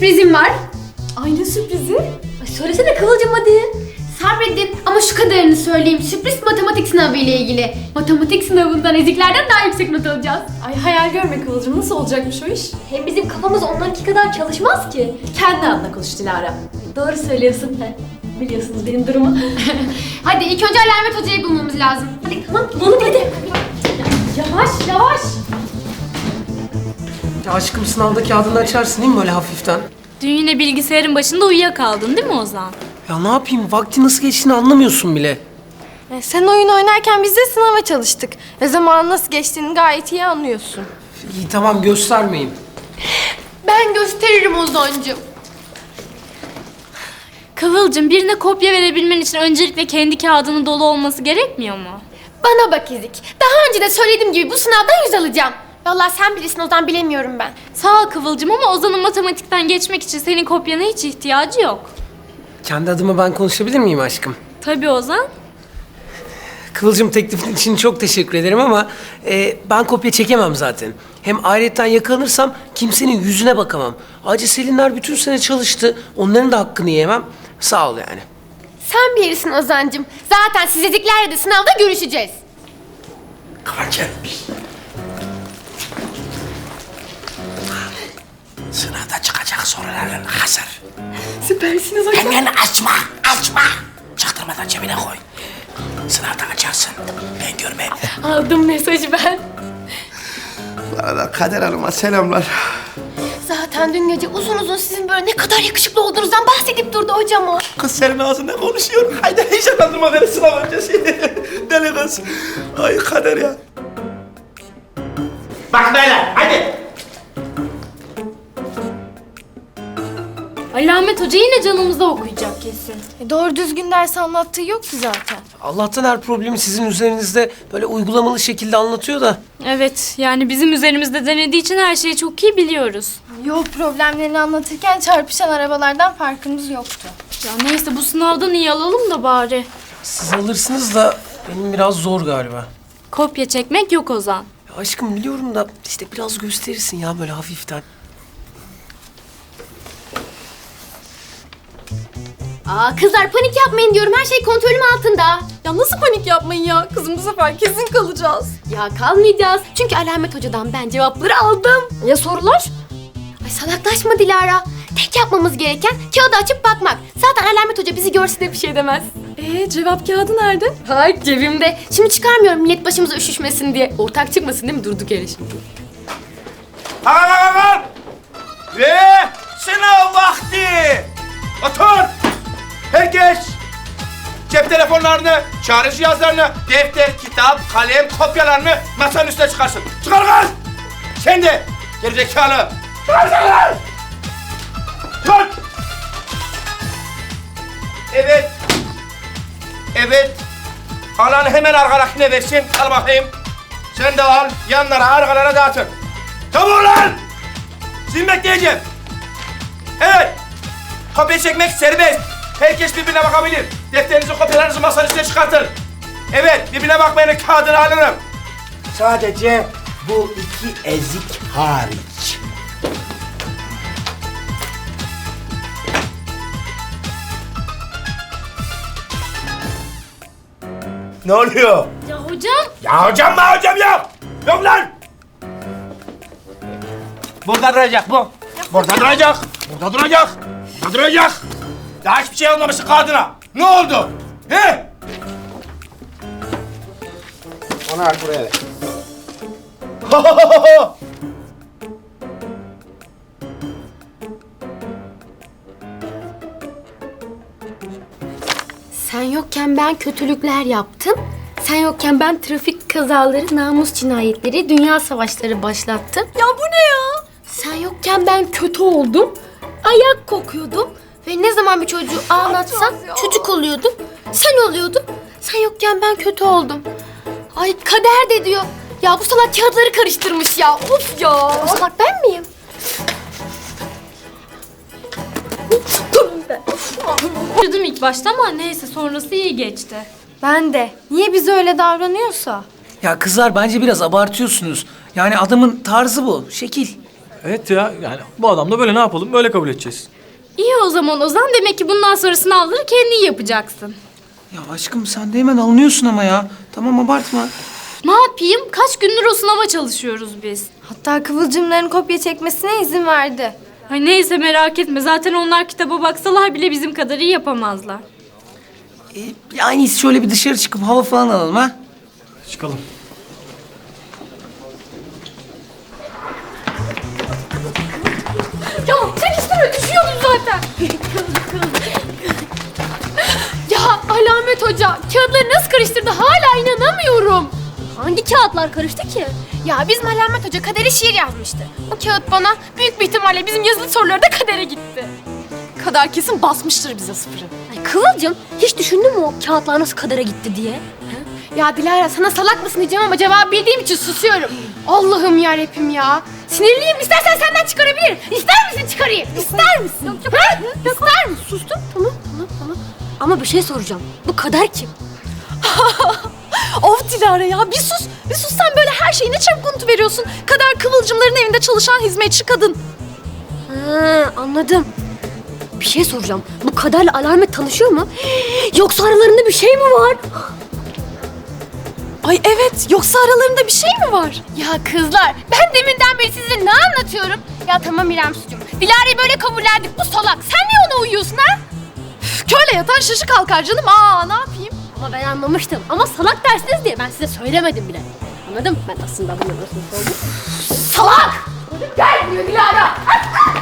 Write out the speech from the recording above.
sürprizim var. Ay ne sürprizi? Ay söylesene Kıvılcım hadi. Sabredin ama şu kadarını söyleyeyim. Sürpriz matematik sınavı ile ilgili. Matematik sınavından eziklerden daha yüksek not alacağız. Ay hayal görme Kıvılcım, nasıl olacakmış o iş? Hem bizim kafamız onlarınki kadar çalışmaz ki. Kendi adına konuş Dilara. Doğru söylüyorsun. Biliyorsunuz benim durumu. Hadi ilk önce Alamet Hoca'yı bulmamız lazım. Hadi tamam bulalım hadi. Yavaş yavaş. Ya aşkım sınavda kağıdını açarsın değil mi böyle hafiften? Dün yine bilgisayarın başında uyuyakaldın değil mi Ozan? Ya ne yapayım vakti nasıl geçtiğini anlamıyorsun bile. Sen oyun oynarken biz de sınava çalıştık. Ve zamanın nasıl geçtiğini gayet iyi anlıyorsun. İyi tamam göstermeyin. Ben gösteririm Ozan'cığım. Kıvılcım, birine kopya verebilmen için öncelikle kendi kağıdının dolu olması gerekmiyor mu? Bana bak İzik. Daha önce de söylediğim gibi bu sınavdan 100 alacağım. Vallahi sen bilirsin Ozan, bilemiyorum ben. Sağ ol Kıvılcım ama Ozan'ın matematikten geçmek için senin kopyana hiç ihtiyacı yok. Kendi adıma ben konuşabilir miyim aşkım? Tabii Ozan. Kıvılcım teklifin için çok teşekkür ederim ama ben kopya çekemem zaten. Hem ayrıyetten yakalanırsam kimsenin yüzüne bakamam. Ayrıca Selinler bütün sene çalıştı. Onların da hakkını yiyemem. Sağ ol yani. Sen bilirsin Ozan'cığım. Zaten siz eziklerle de sınavda görüşeceğiz. Kıvılcım. Sınavda çıkacak soruların hazır. Süpersiniz hocam. Hemen açma. Çaktırmadan cebine koy. Sınavda açarsın. Ben görmeyeyim. Aldım mesajı ben. Bu arada Kader Hanım'a selamlar. Zaten dün gece uzun uzun sizin böyle ne kadar yakışıklı olduğunuzdan bahsedip durdu hocam o. Kız senin ağzında konuşuyor. Haydi heyecanlandırma beni sınav öncesi. Deli kız. Ay Kader ya. Bak beyler hadi. Alamet Hoca yine canımızda okuyacak kesin. Doğru düzgün ders anlattığı yok ki zaten. Allah'tan her problemi sizin üzerinizde böyle uygulamalı şekilde anlatıyor da. Evet, yani bizim üzerimizde denediği için her şeyi çok iyi biliyoruz. Yol problemlerini anlatırken çarpışan arabalardan farkımız yoktu. Ya neyse, bu sınavdan iyi alalım da bari. Siz alırsınız da benim biraz zor galiba. Kopya çekmek yok Ozan. Ya aşkım biliyorum da işte biraz gösterirsin ya böyle hafiften. Aa kızlar panik yapmayın diyorum. Her şey kontrolüm altında. Ya nasıl panik yapmayın ya? Kızım bu sefer kesin kalacağız. Ya kalmayacağız. Çünkü Alamet Hoca'dan ben cevapları aldım. Ya sorular? Ay salaklaşma Dilara. Tek yapmamız gereken kağıdı açıp bakmak. Zaten Alamet Hoca bizi görse de bir şey demez. Cevap kağıdı nerede? Hay cebimde. Şimdi çıkarmıyorum millet başımıza üşüşmesin diye. Ortak çıkmasın değil mi durduk yere şimdi? Kalk. Ve sınav vakti. Otur. Herkes cep telefonlarını, çağrı cihazlarını, defter, kitap, kalem, kopyalarını masanın üstüne çıkarsın. Çıkar kız! Sen de gerizekalı. Çıkarsın! Tut! Evet. Alan hemen arkadakine versin. Al bakayım. Sen de al. Yanlara, arkalara dağıtın. Tamam lan! Sizin bekleyeceğim. Evet. Kopya çekmek serbest. Herkes birbirine bakabilir. Defterinizi, kopyalarınızı masanın üstüne çıkartın. Evet, birbirine bakmayanın kağıdını alırım. Sadece bu iki ezik hariç. Ne oluyor? Ya hocam. Ya hocam yok. Yok lan. Burada duracak bu. Burada duracak. Daha hiçbir şey olmamışsın kağıdına. Ne oldu? He? Onu al buraya ver. Sen yokken ben kötülükler yaptım. Sen yokken ben trafik kazaları, namus cinayetleri, dünya savaşları başlattım. Ya bu ne ya? Sen yokken ben kötü oldum. Ayak kokuyordum. Ve ne zaman bir çocuğu ağlatsam çocuk oluyordum. Sen oluyordun. Sen yokken ben kötü oldum. Ay kader de diyor. Ya bu salak kağıtları karıştırmış ya. Of ya. O salak ben miyim? Üzüldüm ilk başta ama neyse, sonrası iyi geçti. Ben de. Niye bize öyle davranıyorsa? Ya kızlar bence biraz abartıyorsunuz. Yani adamın tarzı bu, şekil. Evet ya yani bu adam da böyle ne yapalım böyle kabul edeceğiz. İyi o zaman Ozan. Demek ki bundan sonra sınavları kendin yapacaksın. Ya aşkım sen de hemen alınıyorsun ama ya. Tamam abartma. Ne yapayım? Kaç gündür o sınava çalışıyoruz biz. Hatta Kıvılcımların kopya çekmesine izin verdi. Ay neyse merak etme. Zaten onlar kitaba baksalar bile bizim kadar iyi yapamazlar. En iyisi şöyle bir dışarı çıkıp hava falan alalım ha. Çıkalım. Ya çekiştirme düşüyordum zaten. Ya Alamet Hoca kağıtları nasıl karıştırdı hala inanamıyorum. Hangi kağıtlar karıştı ki? Ya bizim Alamet Hoca kadere şiir yazmıştı. O kağıt bana büyük bir ihtimalle bizim yazılı soruları da kadere gitti. Kader kesin basmıştır bize sıfırı. Ay Kıvılcım, hiç düşündün mü o kağıtlar nasıl kadere gitti diye? Ya Dilara sana salak mısın diyeceğim ama cevabı bildiğim için susuyorum. Allah'ım yarabbim ya. Sinirliyim. İstersen senden çıkarabilirim. İster misin çıkarayım? İster misin? Yok. İster misin? Sustum, tamam. Ama bir şey soracağım. Bu Kader kim? Of Dilara ya bir sus. Bir sus sen böyle her şeyi ne çabuk unutuveriyorsun. Kader Kıvılcımların evinde çalışan hizmetçi kadın. Ha, anladım. Bir şey soracağım. Bu Kader'le Alamet tanışıyor mu? Yoksa aralarında bir şey mi var? Ay evet yoksa aralarında bir şey mi var? Ya kızlar ben deminden beri size ne anlatıyorum? Ya tamam İrem sucum. Dilara'yı böyle kabullendik bu salak. Sen niye ona uyuyorsun ha? Köyle yatan şaşı kalkar canım. Aa ne yapayım? Ama ben anlamıştım. Ama salak dersiniz diye ben size söylemedim bile. Anladım. Ben aslında bunu nasıl sordum. Salak! Gel buraya Dilara.